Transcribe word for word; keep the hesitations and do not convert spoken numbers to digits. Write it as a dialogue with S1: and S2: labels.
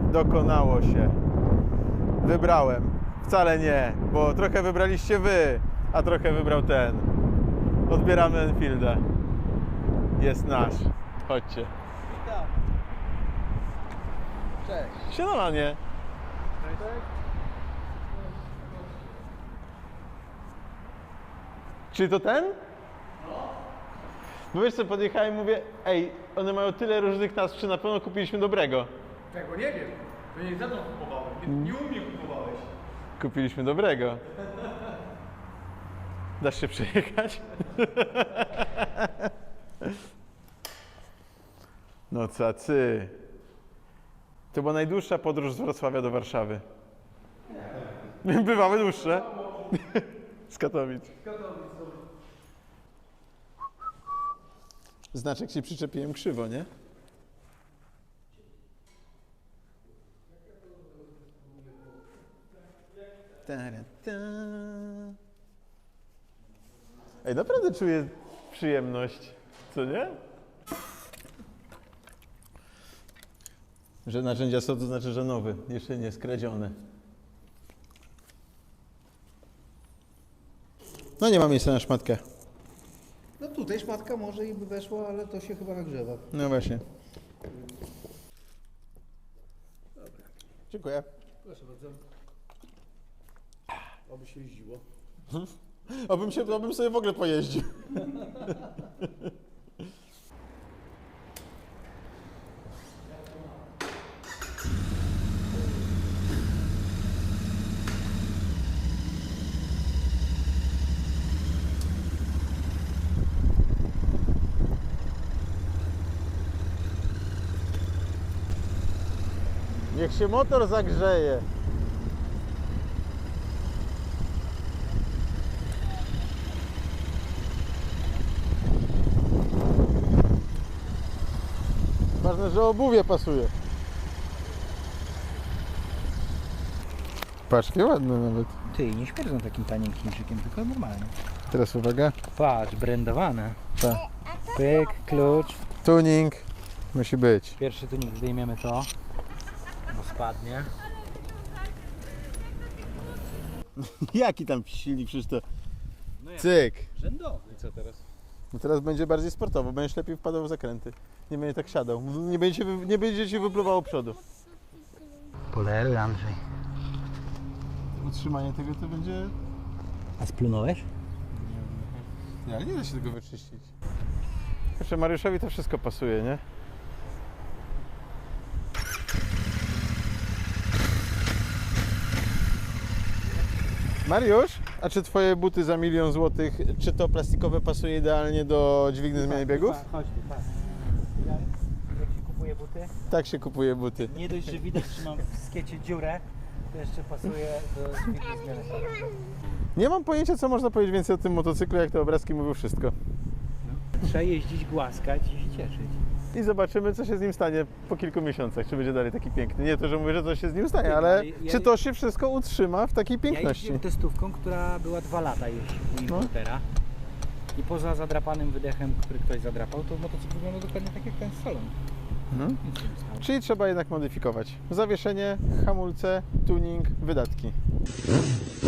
S1: Dokonało się. Wybrałem. Wcale nie, bo trochę wybraliście wy, a trochę wybrał ten. Odbieramy Enfielda. Jest nasz. Chodźcie.
S2: Witam. Cześć.
S1: Siadanie.
S2: Cześć.
S1: Czy to ten? No. Bo wiesz co, podjechałem i mówię, ej, one mają tyle różnych nazw, czy na pewno kupiliśmy dobrego?
S2: Tego nie wiem. To nie za to kupowałem. Nie, nie u mnie kupowałeś.
S1: Kupiliśmy dobrego. Dasz się przejechać? No cacy. To była najdłuższa podróż z Wrocławia do Warszawy. Bywały dłuższe. Z Katowic. Znaczek się przyczepiłem krzywo, nie? Ta-ra-ta. Ej, naprawdę czuję przyjemność, co nie? Że narzędzia są, to znaczy, że nowy, jeszcze nie skradziony. No nie ma miejsca na szmatkę.
S3: No tutaj szmatka może i by weszła, ale to się chyba nagrzewa.
S1: No właśnie. Dziękuję.
S3: Proszę bardzo. Oby się jeździło.
S1: Obym się, obym sobie w ogóle pojeździł. Niech się motor zagrzeje. Ważne, że obuwie pasuje. Patrz, jakie ładne nawet.
S4: Ty, nie śmierdzą takim tanim Chińczykiem, tylko normalnie.
S1: Teraz uwaga.
S4: Patrz, brandowane.
S1: Tak.
S4: Pyk, klucz.
S1: Tuning musi być.
S4: Pierwszy tunik zdejmiemy to, bo spadnie.
S1: Jaki tam silnik, przecież to... Cyk.
S4: Rzędowy. I co teraz?
S1: No teraz będzie bardziej sportowo, będziesz lepiej wpadał w zakręty. Nie będzie tak siadał. Nie będzie, wy- nie będzie ci wypluwało przodu.
S4: Poleruj, Andrzej.
S1: Utrzymanie tego to będzie...
S4: A splunąłeś?
S1: Nie, ale nie da się tego wyczyścić. Proszę, Mariuszowi to wszystko pasuje, nie? Mariusz, a czy twoje buty za milion złotych, czy to plastikowe pasuje idealnie do dźwigni zmiany biegów?
S4: Chodź tu, patrz. Jak się kupuje buty?
S1: Tak się kupuje buty.
S4: Nie dość, że widać, że mam w skiecie dziurę, to jeszcze pasuje do dźwigni zmiany biegów.
S1: Nie mam pojęcia, co można powiedzieć więcej o tym motocyklu, jak te obrazki mówią wszystko.
S4: Trzeba jeździć, głaskać i się cieszyć.
S1: I zobaczymy, co się z nim stanie po kilku miesiącach, czy będzie dalej taki piękny. Nie to, że mówię, że coś się z nim stanie, ale
S4: Ja-
S1: czy to się wszystko utrzyma w takiej
S4: Ja
S1: piękności?
S4: jeździłem testówką, która była dwa lata jeździć u importera. I poza zadrapanym wydechem, który ktoś zadrapał, to motocykl wygląda dokładnie tak jak ten z salonu.
S1: Mhm.
S4: Nic się nie stało.
S1: Czyli trzeba jednak modyfikować. Zawieszenie, hamulce, tuning, wydatki.